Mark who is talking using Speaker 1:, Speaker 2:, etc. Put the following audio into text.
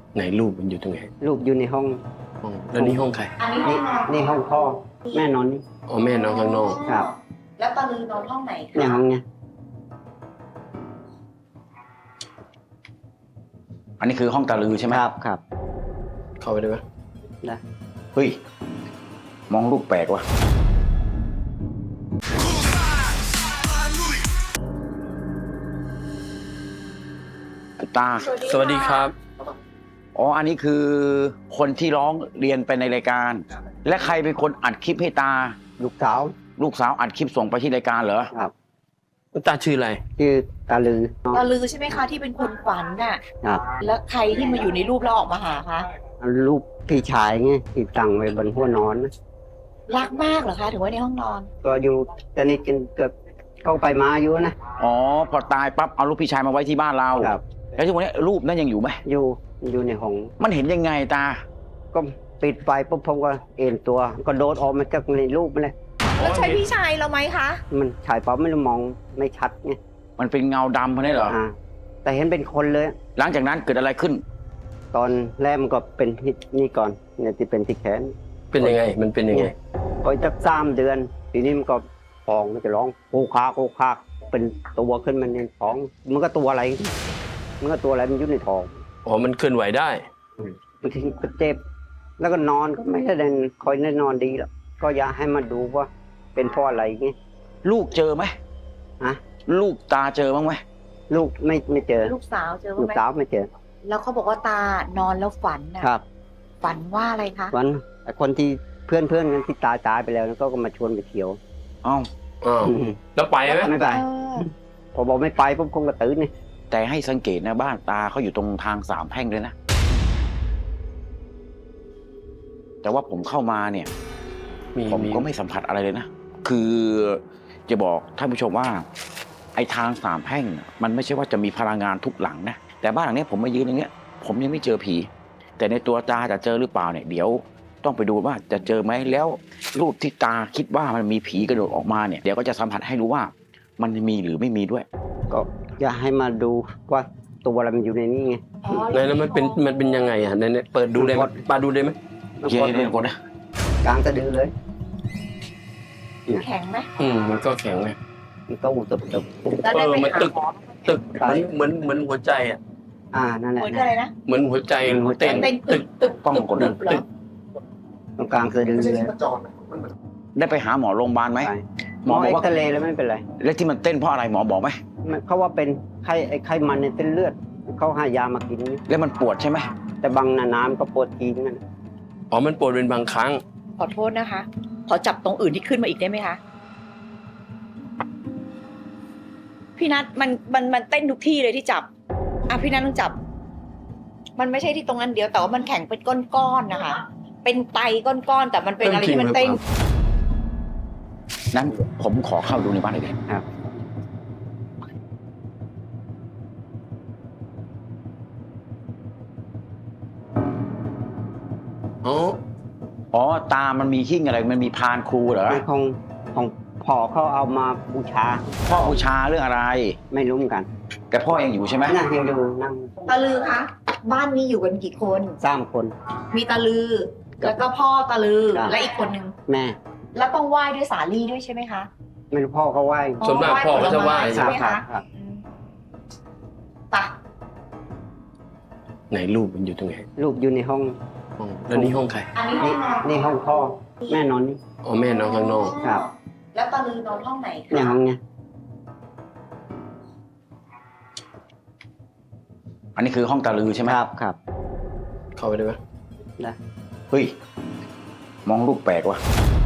Speaker 1: ไหนรูปมันอยู่ตรงไหน
Speaker 2: ลูกอยู่ในห้อง
Speaker 1: แล้วนี่ห้องใคร
Speaker 3: อันนี้ห้องนอน
Speaker 2: นี่ห้องพ่อแม่นอนนี่
Speaker 1: อ๋อแม่นอนข้างนอก
Speaker 2: ครับ
Speaker 3: แล้วตาลือนอนห้องไหนคะ
Speaker 2: เนี่ยห้องเนี่ย
Speaker 4: อันนี้คือห้องตาลือใช่ไหม
Speaker 2: ครับครับ
Speaker 1: เข้าไปได้ไหม
Speaker 2: ได้
Speaker 4: เฮ้ย มองลูกแปลกว่ะตา
Speaker 1: สวัสดีครับ
Speaker 4: อ๋อ อันนี้คือคนที่ร้องเรียนไปในรายการ และใครเป็นคนอัดคลิปให้ตา
Speaker 2: ลูกสาว
Speaker 4: ลูกสาวอัดคลิปส่งไปที่รายการเหรอ
Speaker 2: ครับ
Speaker 1: ตาชื่ออะไร
Speaker 2: ชื่อตาลือ
Speaker 3: ตาลือใช่ไหมคะที่เป็นคนฝันน่ะ
Speaker 2: ครับ
Speaker 3: แล้วใครที่มาอยู่ในรูปแล้วออกมาหาคะ
Speaker 2: ลูกพี่ชายไงที่ตั้งไว้บนหัวนอนนะ
Speaker 3: รักมากเหรอคะถึงไว้ในห้องนอน
Speaker 2: ก็อยู่ตอนนี้กินเกือบเข้าไปมาอยู่นะ
Speaker 4: อ๋อ พอตายปั๊บเอารูปพี่ชายมาไว้ที่บ้านเรา
Speaker 2: ครับ
Speaker 4: แล้วทุกวันนี้รูปนั้นยังอยู่ไหม
Speaker 2: อยู่ในห้อง
Speaker 4: มันเห็นยังไงตา
Speaker 2: ก็ปิดไฟปุ๊บผมก็เอ็นตัว ก็โดดออกมาจากในรูปมันเลย
Speaker 3: แล้วใช่พี่ชายเราไหมคะ
Speaker 2: มันฉายเปล่าไม่ได้มองไม่ชัดไง
Speaker 4: มันเป็นเงาดำเพราะนี้เหรอ
Speaker 2: แต่เห็นเป็นคนเลย
Speaker 4: หลังจากนั้นเกิดอะไรขึ้น
Speaker 2: ตอนแรกมันก็เป็นที่นี่ก่อนเนี่ยที่เป็นที่แขน
Speaker 1: เป็นยังไง มันเป็นยังไง
Speaker 2: พอจัก3 เดือน ทีนี้มันก็ฟองมันจะร้องโคคากโคคากเป็นตัวขึ้นมาในท้อง มันก็ตัวอะไร มันก็ตัวอะไรมันอยู่ในท้อง
Speaker 1: อ๋อ มันเคลื่อนไหวได้
Speaker 2: บางทีก็เจ็บ แล้วก็นอนก็ไม่ได้คอยได้นอนดีหรอกก็อยากให้มาดูว่าเป็นเพราะอะไรไง
Speaker 4: ลูกเจอไหม
Speaker 2: ฮะ
Speaker 4: ลูกตาเจอบ้างไหม
Speaker 2: ลูกไม่เจอ
Speaker 3: ลูกสาวเจอ
Speaker 2: ลูก
Speaker 3: ไหม
Speaker 2: สาวไม่เจอ
Speaker 3: แล้วเขาบอกว่าตานอนแล้วฝันน่ะ
Speaker 2: ครับ
Speaker 3: ฝันว่าอะไรคะ
Speaker 2: วันไอ้คนที่เพื่อนกันที่ตายไปแล้วก็มาชวนไปเที่ยว
Speaker 4: อ้าว
Speaker 1: อ้าว แล้วไปไหม
Speaker 2: ไม่ไป
Speaker 3: เออ
Speaker 2: พอบอกไม่ไปปุ๊บคงกระตื้นนี่
Speaker 4: แต่ให้สังเกตนะบ้านตาเขาอยู่ตรงทางสามแพร่งเลยนะ แต่ว่าผมเข้ามาเนี่ย ผมก็ไม่สัมผัสอะไรเลยนะ คือจะบอกท่านผู้ชมว่า ไอ้ทางสามแพร่งน่ะมันไม่ใช่ว่าจะมีพลังงานทุกหลังนะ แต่บ้านหลังเนี้ยผมมายืนอย่างเงี้ย ผมยังไม่เจอผี แต่ในตัวตาจะเจอหรือเปล่าเนี่ยเดี๋ยวต้องไปดูว่าจะเจอไหมแล้วรูปที่ตาคิดว่ามันมีผีกระโดดออกมาเนี่ยเดี๋ยวก็จะสัมผัสให้รู้ว่ามันมีหรือไม่มีด้วย
Speaker 2: ก็อยากให้มาดูว่าตัวอะไรมันอยู่ในนี้ไง
Speaker 3: อ๋อ
Speaker 1: แล้วมันเป็นยังไงอ่ะเนี่ยเปิดดูได้ไหมปาดูได้ไหม
Speaker 4: เย็นเย็นก่อนนะ
Speaker 2: กลางสะดือเลย
Speaker 3: แข็งไหม
Speaker 1: มันก็แข็งไง
Speaker 2: มันก็อุตบ
Speaker 3: แล้วได้ไป
Speaker 1: มัน
Speaker 3: หา
Speaker 1: ตึก
Speaker 3: หมอ
Speaker 1: ตึกเหมือนหัวใจอ่ะ
Speaker 2: นั่นแหละ
Speaker 3: เหมือนอะไรนะ
Speaker 1: เหมือนหัวใจเต้น
Speaker 3: เป็นตึกตึก
Speaker 4: กล้องกดนะ
Speaker 3: เหรอ
Speaker 2: ตรงกลางสะดือเลย
Speaker 4: ได้ไปหาหมอโรงพยาบาลไหม
Speaker 2: ไป
Speaker 4: ห
Speaker 2: ห
Speaker 4: ม
Speaker 2: ม
Speaker 4: อ
Speaker 2: อ
Speaker 4: บอก
Speaker 2: เอ็ก
Speaker 4: ว่า
Speaker 2: ซเรย์แล้วไม่เป็นไร
Speaker 4: แล้วที่มันเต้นเพราะอะไรหมอบอกไหม
Speaker 2: เขาว่าเป็นไข้มันในเส้นเลือดเขาให้ยามากิน
Speaker 4: แล้วมันปวดใช่ไหม
Speaker 2: แต่บางน้ำก็ปวดทีนั่น
Speaker 1: อ๋อ มันปวดเป็นบางครั้ง
Speaker 3: ขอโทษนะคะ ขอจับตรงอื่นที่ขึ้นมาอีกได้ไหมคะ พี่นัทมันเต้นทุกที่เลยที่จับ พี่นัทต้องจับ มันไม่ใช่ที่ตรงนั้นเดียว แต่ว่ามันแข็งเป็นก้อนๆนะคะ เป็นไตก้อนๆแต่มันเป็นอะไรที่มันเต้น
Speaker 4: นั้นผมขอเข้าดูในบ้านหน่อยดิ
Speaker 2: ครับ
Speaker 1: อ๋อ
Speaker 4: อ๋อตามันมีหิ้งอะไรมันมีพานครูเหรอ
Speaker 2: ในของพ่อเขาเอามาบูชา
Speaker 4: พ่อบูชาเรื่องอะไร
Speaker 2: ไม่รู้เหมือนกัน
Speaker 4: แต่พ่อยังอยู่ใช่ไหม
Speaker 2: นั่งยังดูนั่ง
Speaker 3: ตาลือคะบ้านนี้อยู่กันกี่คน
Speaker 2: 3 คน
Speaker 3: มีตาลือ แล้วก็พ่อตาลือ
Speaker 2: ครับ
Speaker 3: และอีกคนนึง
Speaker 2: แม่
Speaker 3: แล้วต้องไหว้ด้วยสาลี่ด้วยใช่ไหมคะ
Speaker 2: ไม่รู้พ่อเขาไหว้
Speaker 1: ส่วนมากพ่อเขาจะไหว้
Speaker 3: ใช่ไหม
Speaker 2: ครั
Speaker 3: คะ
Speaker 2: บครับ
Speaker 3: อืมไปะ
Speaker 1: ไหนรูปมันอยู่ตรงไหน
Speaker 2: ลูกอยู่ในห้อง
Speaker 1: แล้วนี่ห้องใคร
Speaker 3: อันนี้ห้อ
Speaker 2: นี่
Speaker 3: งนอน
Speaker 2: นี่ห้องพ่อแม่นอนนี่
Speaker 1: อ๋อ แม่นอนข้างนอก
Speaker 2: ครับ
Speaker 3: แล้วตาลือนอนห้องไหนคะ
Speaker 2: เนี่ยห้องเนี่ย
Speaker 4: อันนี้คือห้องตาลือใช่ไหม
Speaker 2: ครับครับ
Speaker 1: เข้าไปได้ไหม
Speaker 2: ได้
Speaker 4: เฮ้ย มองลูกแปลกว่ะ